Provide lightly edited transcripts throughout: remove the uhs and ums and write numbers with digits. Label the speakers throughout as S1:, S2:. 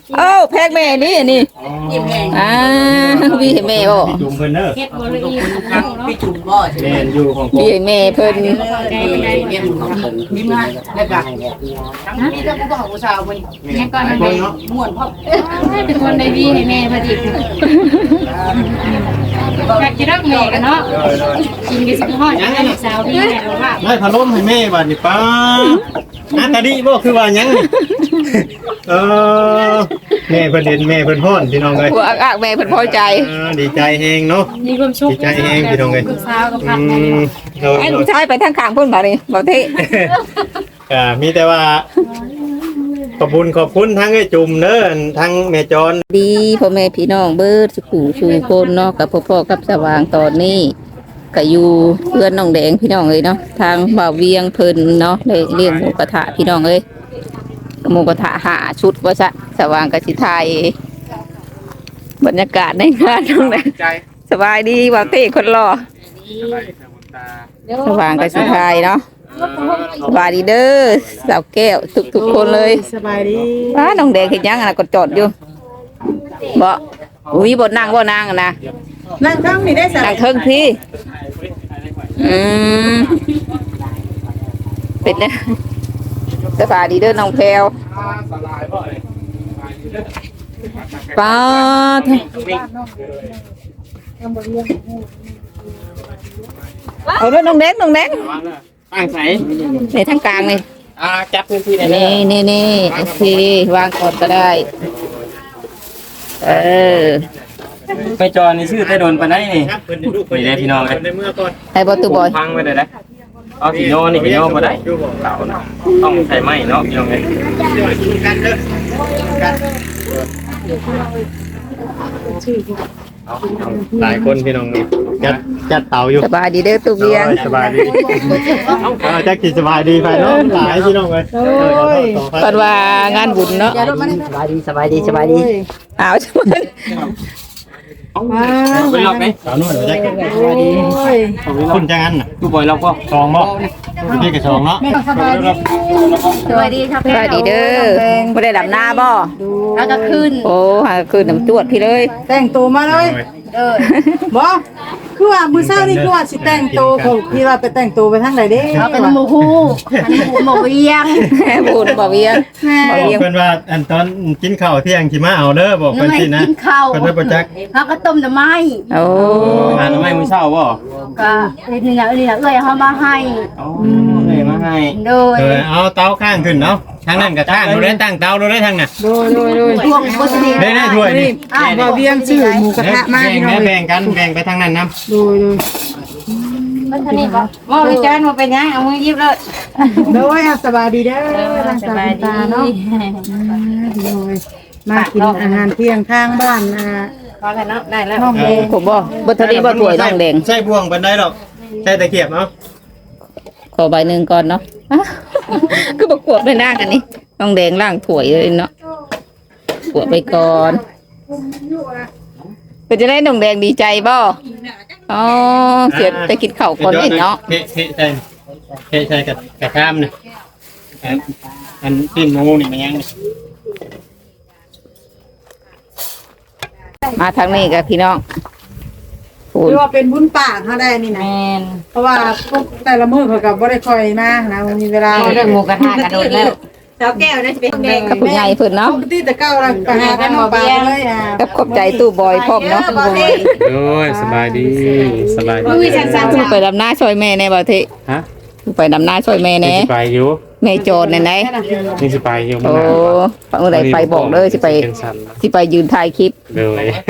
S1: เอ้าแพกแม่นี่นี่พี่แม่บ่
S2: จุ่มเพิ่นเด้อ
S3: เฮ็ดบ่ละเอียด
S4: พี่จุ่มบ่ใช่ไหม
S2: แม่นอยู่ของผม
S1: พี่แม่เพิ่น
S4: เรียนของผมมีมาแล้วก็ทั้งนี้แล้วก็ผู้สาวมัน
S3: แม่ก่อน
S4: คนเนาะม่วนพ่อ
S3: เป็นคนได้ดีให้แม่พอดีอยากกินรักแม่กันเนาะกินกันสิฮอดยังลูกสาวดีแม่ว่า
S2: ได้พัดลมให้แม่บัดนี้ป้าตาดีบ่คือว่าหยังนี่แม่เพิ่นเห็นแม่เพิ่นฮ้อนพี่น้องเอ้ย
S1: หัวอักแม่เพิ่นพอใจ
S2: ดีใจแฮงเนาะ
S3: มีความสุข
S2: ดีใจแฮงพี่น้องเอ้ย
S3: ลูกสาวกับพัดแม่
S1: ไอ้ลูกชายไปทางข้างพุ่นบ่นี่บ่เท่
S2: มีแต่ว่าขอบคุณทั้งไอ้จุ่มเด้อทั้งแม่จร
S1: ดีพ่อแม่พี่น้องเบิดสุขุชูคนเนาะกับพ่อกับสว่างตอนนี้ก็อยู่เพื่อนน้องแดงพี่น้องเอ้ยเนาะทางบ่าวเวียงเพิ่นเนาะเลยเลี้ยงหมูกระทะพี่น้องเอ้ยหมูกระทะ5ชุดว่าซะสว่างก็สิถ่ายบรรยากาศในงานน้องแดงสบายดีบ่าวเท่คนรอสว่างก็สิถ่ายเนาะสบายดีเด้อสาวแก้วทุกคนเลย
S5: สบายดี
S1: น้องแดงเห็นยังนะก็จอดอยู่บ่อุ้ยบ่นั่งบ่นั่งนะ
S5: นั่งข้างนี่ได้สัก
S1: นั่งเทิงพี่เป็นเนี่ยสบายดีเด้อน้องแพรวป้าเอาเด้อน้องแดง
S4: ตั้งใส่
S1: ในทางกลางนี่
S4: จับพื้นที่ได้
S1: นี่โอเควางก่อนก็ได้
S4: ไปจอนี่ชื่อได้โดนปานใดนี่นี่ได้พี่น้องเลย
S1: ไอ้บอตูบอย
S4: พังไปเลยได้เอาสีโยนี่สีโยบ่ได้เก่านะต้องใส่ไม้เนาะพี่น้องเลย
S2: หลายคนพี่น้องจัดเตาอยู่
S1: สบายดีเด้อตูเบียง
S2: สบายดีจักกินสบายดีไปเนาะหลายพี่น้องเลย
S1: ปันว่างานบุญเนาะ
S4: สบายดี
S1: อ้าวช่วย
S4: ไปล็อกไหม
S2: สาวนวลจักกินคุณจังงั้นน่ะ
S4: ตู้บอยล็อกก็
S2: ซองบ่พี่ก็ซองเนาะ
S3: สวัสดีครับ
S1: สบายดีเด้อไม่ได้ดำหน้าบ่
S3: แล้วก็ขึ้น
S1: โอ้หาคืนน้ำจวดพี่เลย
S5: แต่งตัวมาเลยบ่คือว่ามื้อเช้านี่คือว่าสิแต่งตัวของพี่ว่าไปแต่งตัวไปทางใดเด้
S3: เอาเป็นหมูฮู้อันนี้หมูเวียง
S1: บุญบ่เวียงบ่
S2: บอก
S1: เวียง
S2: เพิ่นว่าอันตอนกินข้าวเที่ยงสิมาเอาเด้อบอกเพิ่นสินะ
S3: กินข้าว
S2: เพิ่นได้บ่จัก
S3: แล้วก็ต้มหน่อไม้
S1: โอ้
S4: งานไม่มื้อเช้าบ่
S3: ก็นี่นะเอ้ยเขามาให้
S4: อ๋อเลยมาให้
S3: โดย
S2: เอาเตาข้างขึ้นเนาะทางนั้นก็ข้างเราได้ตั้งเตาเราได้ทางน่ะ
S5: โดย
S3: ช่วงพุทธนี
S2: ได้ถ้วยนี่
S5: บ่เวียงชื่อหมูกระทะมาพี่น้อง
S2: แบ่งกันแบ่งไปทางนั้นนํ
S5: โดย
S3: พุทธนีบ่บ่วิจารณ์มาเป็นยังเอามือยิบเลย
S5: โดยสบายดีเด้อทางสายตาเนาะโดยมากินอาหารเที่ยงข้างบ้าน
S3: พอแล้วเนาะได้แล้ว
S5: น้องเดง
S1: ผมบ่บ่ทันได้บ่ถ้วยน้องแดง
S2: ใช่บ่วงปานใดหรอกใช่ตะเกียบเนาะ
S1: ขอใบหนึงก่อนเนาะคือบ่กวดไปหน้ากันนี่น้องแดงล้างถ้วยเลยเนาะกวดไปก่อนเป็นจะได้น้องแดงดีใจบ่อ๋อเสียไปกินข้าวก่อนนี่เนาะ
S2: ใช่กระข้ามน่ะอันปิ้งหมูนี่มันยัง
S1: มาทางนี้กับพี่น้องพู
S5: คื
S1: น
S5: อว่าเป็นบุญปากเฮาได้นี่นะ
S3: แม่น
S5: เพราะว่าพวกแต่ละมื้อเขาก็บ่ได้ค่อยมานะมีเวลา
S3: เรื่องหมูกระทะกระโดดแล้ว
S5: สาวแก้วได้สิเป็นแดง
S1: กับผู้ใหญ่เพิ่นเนาะ
S5: ปกติแต่เก่าเราไปหากันน้องปลาเลย
S1: กับขอบใจตู้บอยพร้อมเนาะ
S2: โอ้ยสบายดีสบายดี
S3: มือสั่น
S1: ตู้ไปดำหน้าช่วยแม่แน่บ่เท
S2: ฮะ
S1: ไปดำหน้าช่วยแม่แน่
S2: ไปอยู่
S1: แม่โจรไหน
S2: นี่สิไปอยู่
S1: โอ้เมื่อไหร่ไปบอกเลยสิไปยืนถ่ายคลิป
S2: เลย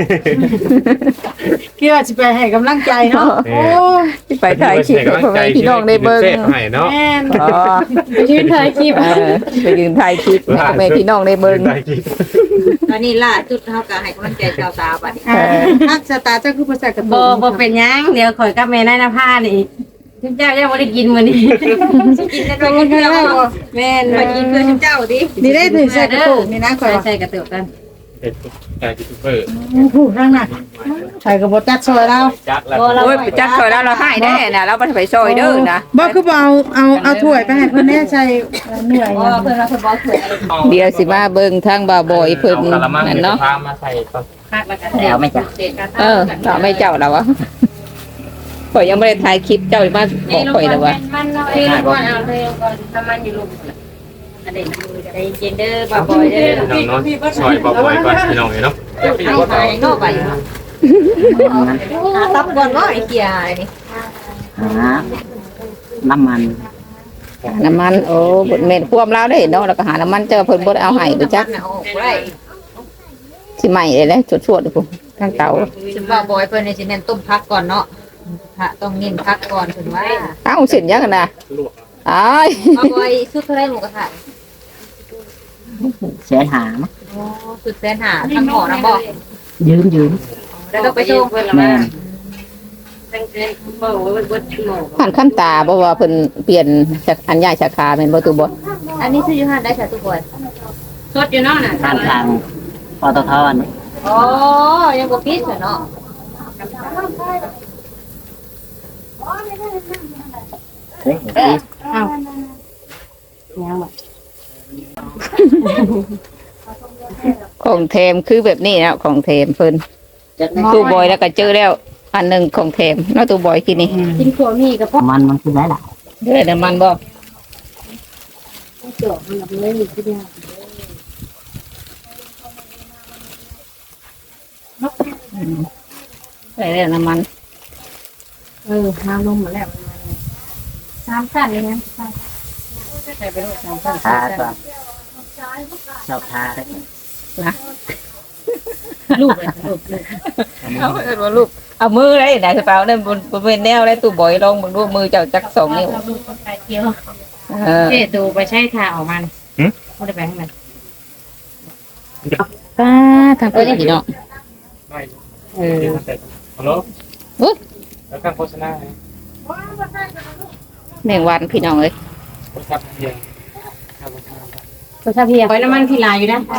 S5: คิดว่าสิไปให้กำลังใจเนาะโอ้
S1: สิไปถ่ายคลิปให้พ่อแม่พี่น้องได้เบิ่ง
S2: ให้เนาะ
S5: แม่น
S1: อ๋อ
S3: ไปยืนถ่ายคลิป
S1: ไปยืนถ่ายคลิปให้พ่อแม่พี่น้องได้เบิ่ง
S6: ตอนนี้ล่าจุดเขาก็ให้กำลังใจชาวตาบัดนี้
S5: ฮักสตาร์เจ้าคือภาษากระ
S3: บ่
S5: ตุ้
S3: บ่เป็นยังเดี๋ยวข่อยกับแม่นายนภานี่ทุกเจ้ายังบ่ได้กินมื้อนี้
S6: กินได้ด้วยเจ้าแม่นไปกินเพื่อเจ้าดิ
S5: นี่ได้ถึงใส่กระตุ้นี่นะข่อย
S3: ใส่กระตุกกัน
S2: เป็นยูทูบเบอร์
S5: ผู้นั่งน่ะใส่กระบอกจัดซอยเรา
S2: จักแล้ว
S1: โอ้ยไปจัดซอยแล้วเราให้ได้น่ะเราบ่ได้ไปซอยเด้อนะ
S5: บ่คือบ่เอาถ้วยไปให้เพิ่นแน่ใส่เหนื่อย
S6: เพราะว่าเพิ่นว่าเพิ่นบ่สวย
S1: เดี๋ยวสิมาเบิ่งทางบ่าวบอยเพิ่นนั่นเนาะ
S2: พามาใส่ก่อน
S4: แล้วไม่จ้ะ
S1: เราไม่เจ้าแล้ววะข่อยยังไม่ได้ถ่ายคลิปเจ้ามาบอกข่อยแล้ววะ
S3: มันเนาะเอ้ยก่อนเอาเลยก่อนทำมันอยู่ลูกอันนี้ใจเย็นเด้อบ่บ่อยเด้อ
S2: พี่น้องเนาะซอยบ่อยๆก่อนพี่น้องเนาะ
S6: เอาไปนอกไปตับก่อนว่าไอ้เกียร์นี่
S4: น้ำมัน
S1: น้ำมันโอ้บดเม็ดควมแล้วได้เนาะแล้วก็หาน้ำมันเจ้าเพิ่นบ่ได้เอาให้ไปจัก
S6: เอาได้
S1: สิใหม่เลยแหละชวดๆพุ่นทางเตา
S6: ฉันว่าบอยเพิ่นนี่สิเน้นต้มผักก่อนเนาะพระต้องเน้นผักก่อนเพิ่นว่า
S1: เอ้าเส้นยังกันน่ะอ้าย
S6: เอาบอยสุดเท่าไรหมูกระทะ
S4: เสียหา
S6: โอ้สุดแสนหาทั้งหอนะบ่
S4: ยืม
S6: แล้วก็ไปส่งเพิ่นละ
S4: แม่
S6: มา
S3: ตั้งใจบ่ว่าบ่ชั่วโมง
S1: ผ่านขั้นตาบ่ว่าเพิ่นเปลี่ยนจากอันใหญ่สาขาแม่นบ่ตูบ่
S6: อันนี้ซื้ออยู่ห้านได้ค่ะทุกคน
S3: สดอยู่เนาะน่ะ
S4: ข้างทางปตทนี่
S6: อ๋อยังบ่ปิดเนาะ
S4: เฮ้ย
S1: ของแถมคือแบบนี้นะของแถมเพิ่นตู้บอยแล้วก็เจอแล้ว อันหนึงของแถมเนาะตู้บอยกินนี่
S3: กินขัวมีกับพ่อ
S4: มันคือหลาย
S1: เด้อน้ำมันบ่
S3: จอกมันแบบเลยทีเดียว
S1: ใส่แล้วน้ำมัน
S3: น้ำลงหมดแล้ว3ขั้นเลยนะ
S4: ๆทาก็ชอบทาได้
S3: ลูกเลยลูก
S1: เอาเอิ้นว่าลูกเอามือได้นะกระเป๋านั่นบนเป็นแนวได้ตู้บอยลองมึงดูมือเจ้าจัก2นิ้ว
S3: ลูกไปเที่ยว
S1: เออ
S3: เจ๊ดูไปใช้ทาออกมาบ่ได้ไปข้างใน
S1: ป้าทำเพิ่นพี่น้อง
S2: ฮัลโหล
S1: อุ๊ย
S2: แล้วก็โฆษณา
S1: แมงวันพี่น้องเอ้ย
S2: ครับเพียง
S3: ก็ถ้าเพียไว้น้ำมันพี่ลายอยู่นะ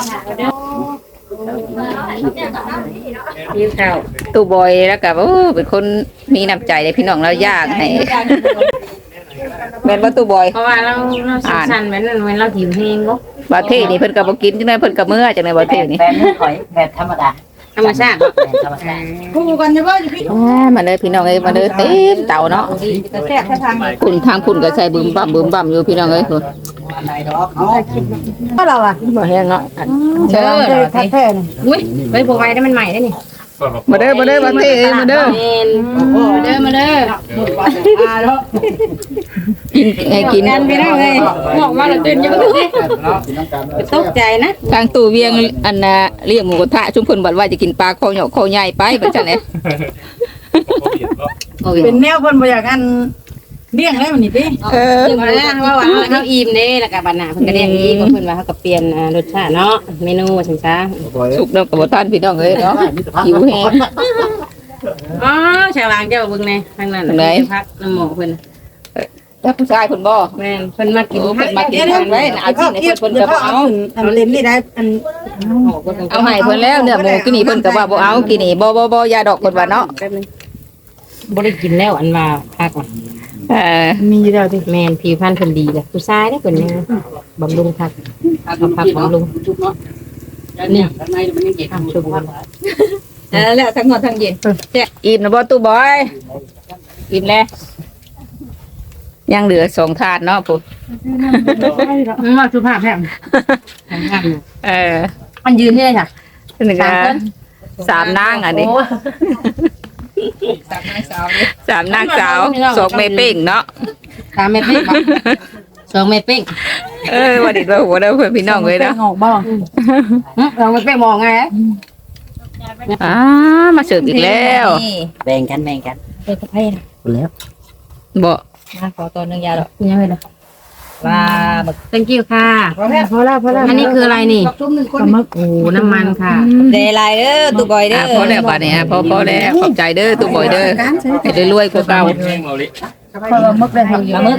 S3: ยิ้มข้าว
S1: ตู้บอยแล้วก็โอ้เป็นคนมีน้ำใจเลยพี่น้องเราย่างให้แม่นว่าตู้บอย
S3: เพราะว่าเราสั้นๆเหมือนเราหิวเองก็
S1: บาเทนี่เพิ่นก็บ่กินจังได๋เพิ่นก็เมื่อจังได๋บาเทนี่
S4: แบบนี้ข่อยแบบธรรมดา
S3: ธรรมชาติ
S4: แบบธรรมชาติ
S5: คู่กันจะว่าอยู่พี่
S1: มาเลยพี่น้องเอ้ยมาเลยเต็มเตาเนาะ
S6: จะแซ่บแค่ทาง
S1: คุณทางคุณก็ใส่บึมบั่มอยู่พี่น้องเอ้ยพุ่น
S5: ก็เราอ่ะ
S1: บ่แห้งเนาะ
S5: เจอแท้ๆนี่
S3: อุ้ยไปพวกไว้ได้มันใหม่ได้นี่
S1: มาเด้อบาเทเอ้ยมาเด้อ
S3: เด้อมาเด้อ
S1: กินให้กิน
S3: กันไปแล้วเลยบอกว่าเราตื่นยังไม่ตกใจนะ
S1: ทางตู้เวียงอันน่ะเลี้ยงหมูกระทะชุมเพิ่นบัดว่าจะกินปลาคอเหยาะคอใหญ่ไปบัดจังได๋โอ้ย
S5: เป็นแนวเพิ่นบ่อยากอันเลี้ยงแล้วนี่ติ
S1: เออ
S3: ถึงแล้วว่าว่าเขาอิ่มเด้แล้วก็บัดหน้าเพิ่นก็เรียกอีกเพิ่นว่าเขาก็เปลี่ยนรสชาติเนาะเมนูจังซ่า
S1: สุกเนาะก็บ่ทันพี่น้องเอ้ยเนาะหิวแฮง
S3: อ๋อชาวางเจ้าเบิ่งแน่ทางนั้นพักน้ำหมอเพิ่น
S1: แล้วผู้ชายเพิ่นบ่
S3: แม่นเพิ่นมากิน
S1: โอ้เพิ่นมากินทางไว้น่ะเอาที่ให้เพิ่นก็บ่เอา
S5: อันเล่นนี่ได้อัน
S1: เอาให้เพิ่นแล้วเนื้อหมูกินนี่เพิ่นก็ว่าบ่เอากินนี่บ่ยาดอกเพิ่นว่าเนาะ
S3: แป๊บนึงบ่ได้กินแล้วอันว่าพัก
S5: มีอยู่แล้วติ
S3: แม่นผิวพรรณเพิ่นดีเลยผู้ชายเด้เพิ่นยังบำรุงพักเอาพักบำรุงนี่ชุบ
S6: แล้วทั้งหมดทั้งเย็น
S1: อิ่มนะบ่ตู้บอยอิ่มแล้วยังเหลือ2ถาดเนาะพุ่น
S3: ว่าสุภาพแท้มันยืนที่ไหนจ้ะ
S1: นี่ก็3นางอันนี้3นางสาว2แม่เป้งเนาะ
S3: 3 เม็ดเป้ง2 เม็ดเป้ง
S1: ว่าดิว่าหัวเด้อเพิ่นพี่น้องเอ้ยเนาะ
S5: ออกบ่
S3: 2 เม็ดเป้งมองไง
S1: มาเสิร์ฟอีกแล้ว
S4: แบ่งกัน
S3: เป็นกาแฟนะ
S4: แล้ว
S1: บ่
S6: มาขอตัวนึงยาดอก
S3: ยังไงล่ะ
S6: ว่าบัก
S3: thank you ค่ะ
S5: พอแล้ว
S3: อันนี้คืออะไรนี่
S5: จุ่ม1คน
S3: ปลาหมึกโอ้น้ำมันค่ะ
S6: เดลายเด้อตุบอยเด้อ
S1: พอแล้วบัดนี้พอแล้วขอบใจเด้อตู้บอยเด้อให้ได้รวยกว่าเก่า
S5: ปลาหมึกได้ทำ
S6: ปลาหมึก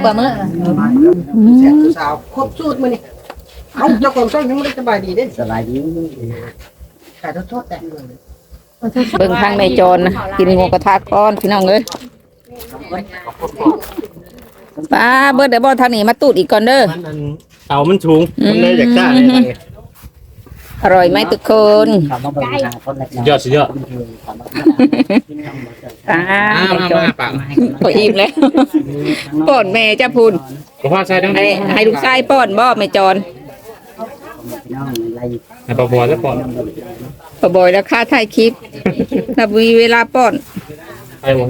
S5: สาวครบสูตรมื้อนี้เอ้าเจ้าของช่วยยังบ่ได้สบายดีเด้
S4: สบายดีแต่โทษแต่
S1: เบิ่งทางแม่จรนะกินหมูกระทะก่อนพี่น้องเอ้ยป้าเบิดเดี๋ยวบ่ทางนี้มาตูดอีกก่อนเด้อ
S2: มันเตามันสูงมันเลยอยากจ้าเลยทางนี้
S1: อร่อยไหมทุกคน
S7: ยอดสุดยอด
S1: ป้า
S7: มาปาก
S1: พออิ่มแล้วป้อนแม่จ้าพูน
S7: ผมว่าใช่ทั้ง
S1: ให้ลูกชายป้อนบ่แม่จร
S7: ให้ปอบอแล้วก่อน
S1: พอบ่อยแล้วค่าถ่ายคลิปถ้ามีเวลาป้อน
S7: ไอ้วง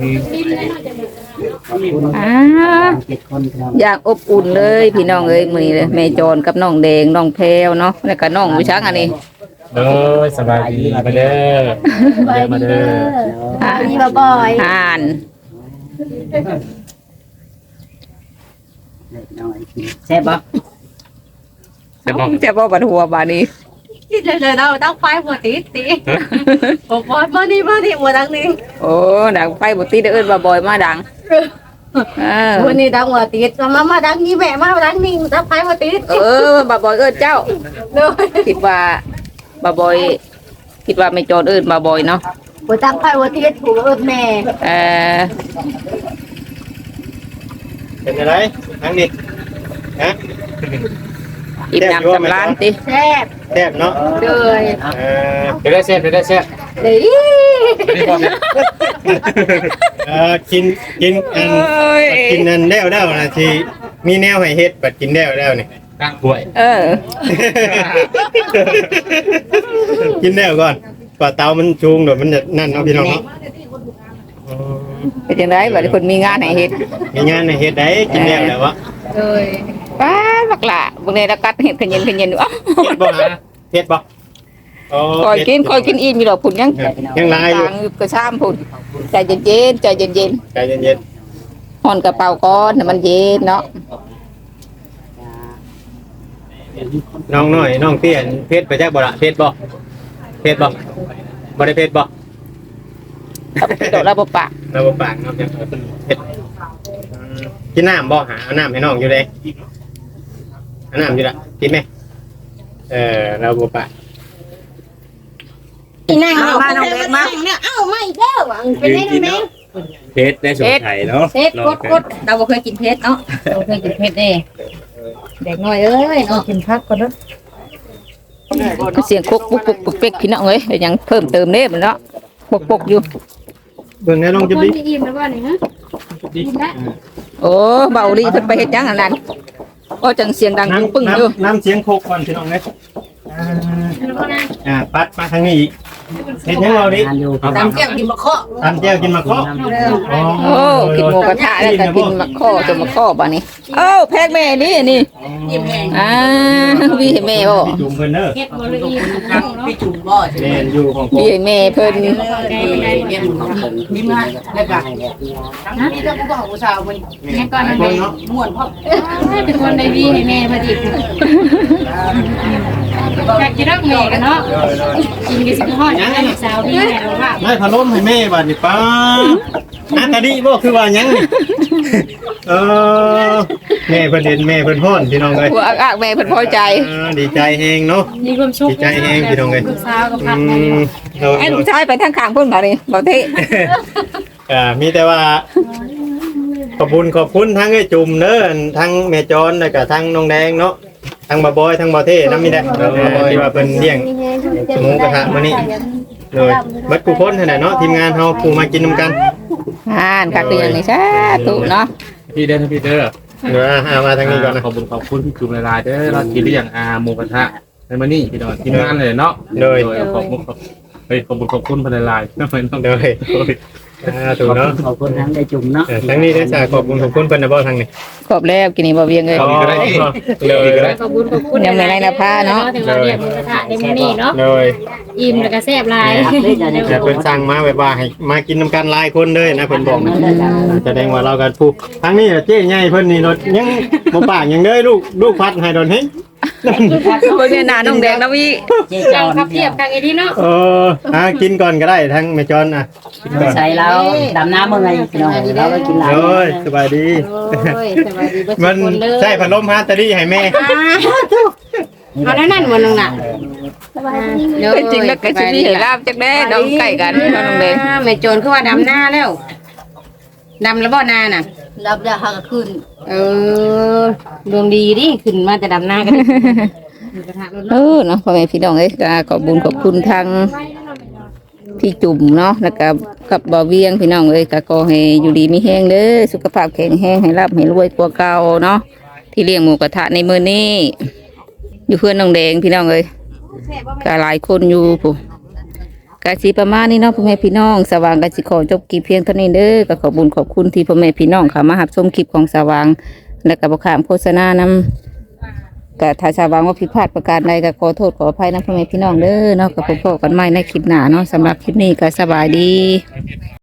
S1: อย่างอบอุ่นเลยพี่น้องเอ้ยมื้อนี้เลยแม่จรกับน้องแดงน้องแพรวเนาะแล้วก็น้องวิชังอันนี้
S7: เด้อสบายดีมาเด้อมาเด้อ
S1: นี่บ่อยอ่าน
S4: แซ่บบ่
S1: จะบ่บัดหัวบาดนี้
S6: เลยเราต้องไฟหมดตีผมว่ามานี่หมดดังนี้
S1: โอ้ดังไฟบ่ติดเอิ้นว่าบ่อยมาดัง
S6: วันนี้ดังหมดตีมาดังนี้แม่มาดังนี้ต้องไฟหมดตี
S1: บ่บ่อยเอิ้นเจ้า
S6: เลย
S1: คิดว่าบ่บ่อยคิดว่าไม่จรเอิ้นบ่บ่อยเนาะ
S6: ผมตั้งไฟหมดตีถูกแม่
S2: เป็นอะไรทางนี้ฮะ
S1: อิ่มน้ำสำราญติ
S6: แซ่บ
S2: แซ่บเนาะ
S6: เลย
S7: เดี๋ยวได้แซ่บเดี๋ยวได้แซ่บ
S6: เลย
S7: นี่ก่อนเนี่ย
S2: กินกินนั่นแล้วนะที่มีแนวให้เฮ็ดบัดกินแล้วนี่
S7: กลางกล้วย
S2: กินแล้วก่อนกว่าเตามันชูงเดี๋ยวมันจะนั่นเนาะพี่น้องเนาะ
S1: เป็นจังไดบัดนี้เพิ่นมีงานให้เฮ็ด
S2: มีงานให้เฮ็ดได้กินแล้ววะ
S6: เลย
S1: ป้าบักละบางทีเรากัดเห็ดขยันดู
S2: เฮ็ดบ่ฮะเฮ็ดบ่
S1: คอยกินอิ่มอยู่ดอกผุนยัง
S2: ยังลายอยู่
S1: ต่างอยู่กระซ้ำผุนใจเย็นใจเย็น
S2: ใจเย็น
S1: ห่อนกระเป๋าก้อนให้มันเย็นเนาะ
S2: น้องน้อยน้องเตี้ยนเพชรไปจักบ่ละเพชรบ่บ่ได้เพชรบ่
S1: เอาไปดอกระบบปาก
S2: เราบ่ปากเนาะจังเพชรกินน้ำบ่หาเอาน้ำให้น้องอยู่เด้เอาน้ำอยู่ละกินไหมเราบ่ปาก
S6: นั่งมาน้องเล็กมาเอ้าไม่อีกแล้วเป็นไงแม่
S7: เพชรได้สมไทยเนาะ
S6: เพชรกดเราบ่เคยกินเพชรเนาะเราเคยกินเพชรเด้เด็กน้อยเอ้ยเนาะกินพักก่อนเด้อ
S1: เสียงคุกปุกปุกปุกเป๊กพี่น้องเอ้ยยังเพิ่มเติมเด้มันเนาะปุกอยู่
S2: เบิ่งแน่น้องจะดิ
S6: อิ่มแล้วบ่นี่ฮะอิ่มแล้ว
S1: โอ้เบาลีเพิ่นไปเฮ็ดจังอันนั้นก็จังเสียงดังปึ้งอยู่
S2: น้ำเสียงโคกก่อนพี่น้องเอ้ยปัดมาทางนี้อีกเฮ็ดยังเราดิ
S4: ตามแก้วกินมะเคาะ
S2: ตำแจ่วกินมะเคาะ
S1: โอ้กินหมูกระทะแล้วก็กินมะข้อจนมะข้อบ่นี่เอ้าแพกแม่นี่
S4: ยิ้มแห้ง
S1: วีให้แม่บ่
S2: จุ่มเพิ่นเด้อ
S6: เฮ็ดบ่ละเอียด
S4: พี่จุ่มบ่ใช่ไหม
S2: แม่นอยู่ของผม
S1: วีให้แม่เพิ่น
S4: เนี่ยยิ้มง่ายแล้วกันทั้งนี้ถ้ากูบอกกูสาวมัน
S6: แม่ก่อน
S2: คนเนาะ
S4: ม่วนพ่อ
S6: เป็นคนได้ดีให้แม่พอดีอยากจะรักแม่กันเนาะกินกันสิฮอดให้สาวดีแม่ว่า
S2: ไม่พะล้มให้แม่บัดนี่ป้าอันตาดีบ่คือว่าหยังนี่แม่เพิ่นเห็นแม่เพิ่นฮ้อนพี่น้องเอ้ย
S1: หัวอักแม่เพิ่นพอใจ
S2: ดีใจแฮงเนาะ
S6: มีความสุข
S2: ดีใจแฮงพี่น้องเอ้ย
S6: สาวกับพัก
S1: ไอ้ลูกชายไปทางข้างพุ่นบ่นี่บ่เท่
S2: มีแต่ว่าขอบคุณทั้งไอ้จุ่มเด้อทั้งแม่จรแล้วก็ทั้งน้องแดงเนาะทั้งบ่บอยทั้งบ่เท่นำมีแต่ที่ว่าเพิ่นเลี้ยงหมูกระทะมื้อนี้เลยบัดกูคนนั่นแหละเนาะทีมงานเฮาผู้มากินนำกัน
S1: ค่ะคืออย่างนี้สาธุเนาะ
S7: พี่เด้อพี่เด้อ
S2: เดี๋ยวมาทางนี้ก่อนนะ
S7: ขอบคุณพี่จุ่มลายเด้อเรากินได้อย่างหมูกระทะในมื้อนี้พี่น้องกินงานเลยเนาะขอบคุณพนักงานทำไมต้อง
S2: เดี๋ยวถูกเนาะ
S4: ขอบคุณทั้งได้จุ่มเนาะ
S2: ทั้งนี้ได้สาขอบคุณเพิ่นนะบ่ทางนี้
S1: ขอบแล้วกินนี่บ่เวียงเลย
S2: เลย
S6: ขอบคุณ
S1: ยังไม่ได้นะผ้าเนาะ
S6: ถึงว่าเรียกหมูกระทะในมื้อนี้เนาะ
S2: เลย
S6: อิ่มแล้วก็แซ่บหลาย
S2: แต่เพิ่นสั่งมาแบบว่าให้มากินนำกันหลายคนเลยนะเพิ่นบอกแสดงว่าเรากันผู้ทั้งนี้เจ๊ใหญ่เพิ่นนี่รถยังบ่ปากยังเด้อลูกพัดให้โดนเฮง
S1: คือบ่เนี่ยหน้าน้องแดงนะวิ
S4: เจ๊จอน
S6: ครับเทียบกันไอ้ที่เนาะ
S2: กินก่อนก็ได้ทั้งแม่จอนก่อน
S4: ใส่แล้วดำน้ำเมื่อไงพี่น้องเราก็กินหลาย
S2: โอ้ยสบายดี
S6: โอ้ยสวัสดีเบ่
S2: มัน
S6: คนเลย
S2: ใช่พัดลมฮะตะลี่ให้แม่
S3: เอานั่นบ่น้องน่ะ
S1: จริงแล้วก็สิมีให้ลาบจักแน่น้องไก่กันน้องแดง
S3: แม่โจรคือว่าดำหน้าแล้วดำแล้วบ่นาน่ะ
S6: รับได้หากขึ้น
S3: ดวงดีดิขึ้นมาแต่ดำหน้ากัน
S1: เนาะพ่อแม่พี่น้องเอ้ยก็ขอบคุญขอบคุณทางพี่จุ่มเนาะแล้วก็กับบ่าวเวียงพี่น้องเอ้ยก็ขอให้อยู่ดีมีแห้งเด้อสุขภาพแข็งแรงให้ร่ำให้รวยกว่าเก่าเนาะที่เลี้ยงหมูกระทะในมื้อนี้อยู่เพื่อนน้องแดงพี่น้องเอ้ยก็หลายคนอยู่ผู้กะสิประมาณนี้เนาะพ่อแม่พี่น้องสว่างกะสิขอจบคลิปเพียงเท่านี้เด้อก็ขอบคุญขอบคุณที่พ่อแม่พี่น้องเข้ามารับชมคลิปของสว่างและก็บ่ข้ามโฆษณานำก็ถ้าสว่างว่าผิดพลาดประการใดก็ขอโทษขออภัยนะพ่อแม่พี่น้องเด้อเนาะก็พบกันใหม่ในคลิปหน้าเนาะสำหรับคลิปนี้ก็สบายดี